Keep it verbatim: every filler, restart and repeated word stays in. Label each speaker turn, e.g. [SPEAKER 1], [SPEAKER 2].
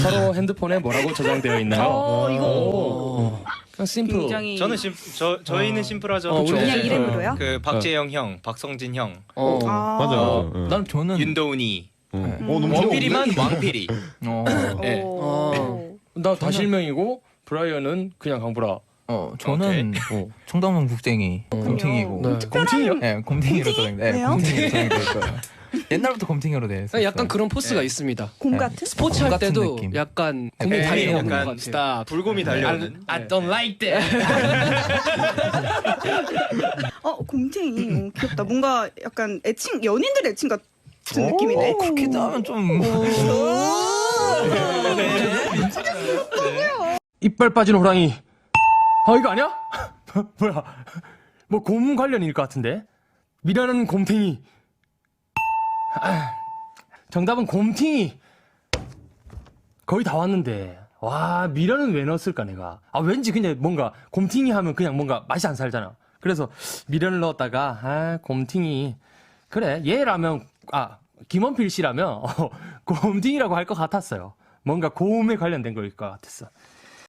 [SPEAKER 1] 서로 핸드폰에 뭐라고 저장되어 있나요?
[SPEAKER 2] 어, 이거
[SPEAKER 1] 오. 그냥 심플.
[SPEAKER 2] 굉장히
[SPEAKER 3] 저는 심, 저 저희는 심플하죠.
[SPEAKER 1] 어, 우리
[SPEAKER 2] 그냥
[SPEAKER 1] 네.
[SPEAKER 2] 이름으로요?
[SPEAKER 3] 그 박재영 형, 박성진 형,
[SPEAKER 1] 어.
[SPEAKER 2] 아.
[SPEAKER 4] 맞아,
[SPEAKER 1] 어,
[SPEAKER 4] 맞아. 응.
[SPEAKER 1] 난
[SPEAKER 5] 저는
[SPEAKER 3] 윤도훈이,
[SPEAKER 4] 어,
[SPEAKER 2] 음.
[SPEAKER 4] 너무
[SPEAKER 3] 원필이만 왕필이.
[SPEAKER 5] 어,
[SPEAKER 3] 네.
[SPEAKER 2] 오.
[SPEAKER 1] 나 다실명이고 브라이언은 그냥 강브라.
[SPEAKER 5] 어 저는
[SPEAKER 1] 어.
[SPEAKER 5] 청담동 국쟁이 곰탱이고.
[SPEAKER 1] 네. 곰팅이요?
[SPEAKER 5] 네, 곰탱이로 저장. 네,
[SPEAKER 2] 왜요?
[SPEAKER 5] 곰탱이로 저장돼 있어요. 옛날부터 곰탱이로 돼 있어요.
[SPEAKER 6] 약간 그런 포스가
[SPEAKER 3] 네.
[SPEAKER 6] 있습니다.
[SPEAKER 2] 곰
[SPEAKER 5] 네.
[SPEAKER 2] 같은?
[SPEAKER 6] 스포츠
[SPEAKER 5] 곰
[SPEAKER 6] 할
[SPEAKER 5] 같은
[SPEAKER 6] 때도
[SPEAKER 5] 느낌.
[SPEAKER 6] 약간
[SPEAKER 5] 네,
[SPEAKER 6] 곰이
[SPEAKER 3] 네,
[SPEAKER 6] 달려오는 것
[SPEAKER 3] 약간
[SPEAKER 6] 같아요.
[SPEAKER 3] 스타 불곰이 달려오는.
[SPEAKER 1] I don't like that.
[SPEAKER 2] 어, 곰탱이. 오, 귀엽다. 뭔가 약간 애칭, 연인들 애칭 같은 느낌이네.
[SPEAKER 5] 어, 그렇게 하면 좀.
[SPEAKER 1] 이빨 빠진 호랑이. 아 이거 아니야? 뭐야? 뭐 곰 관련일 것 같은데? 미라는 곰탱이. 아, 정답은 곰탱이. 거의 다 왔는데. 와 미라는 왜 넣었을까 내가. 아 왠지 그냥 뭔가 곰탱이 하면 그냥 뭔가 맛이 안 살잖아. 그래서 미라를 넣었다가 아 곰탱이. 그래 얘라면 아 김원필 씨라면 어, 곰탱이라고 할 것 같았어요. 뭔가 곰에 관련된 거일 것 같았어.